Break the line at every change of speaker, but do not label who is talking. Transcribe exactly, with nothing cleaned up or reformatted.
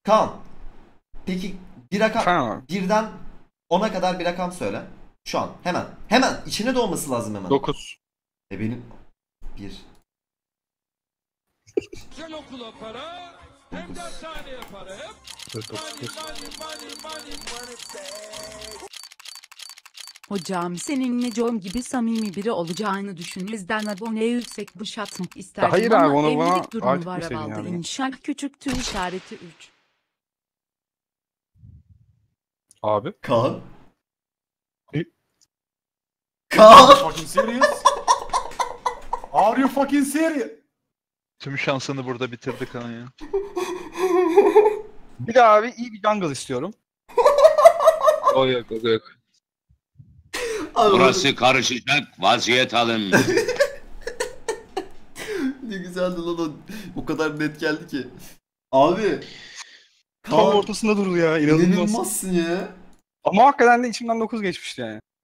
Kaan. Peki bir
Efendim
rakam,
abi.
birden ona kadar bir rakam söyle. Şu an hemen. Hemen içine doğması lazım hemen.
dokuz.
E benim bir
Güzel okula para, hem
dokuz.
dershaneye para. Hep money, money, money, money, money.
Hocam senin Necom gibi samimi biri olacağını düşünmezden aboneye yüksek bıç atmak isterdim
Hayır abi,
ama
onu bana
evlilik durumu
ait
var
etmeseydin
avalda
yani.
inşallah küçüktür işareti üç.
Abi.
Kaan.
E?
Kaan.
Fucking serious? Are you fucking serious?
Tüm şansını burada bitirdi Kaan ya.
Bir de abi iyi bir jungle istiyorum.
O yok, o yok.
Burası karışacak, vaziyet alın.
Ne güzeldi lan o. O kadar net geldi ki. Abi.
Tam
Kaan.
ortasında durdu ya, inanılmaz.
İnanılmazsın ya.
Ama hakikaten de içimden dokuz geçmişti yani.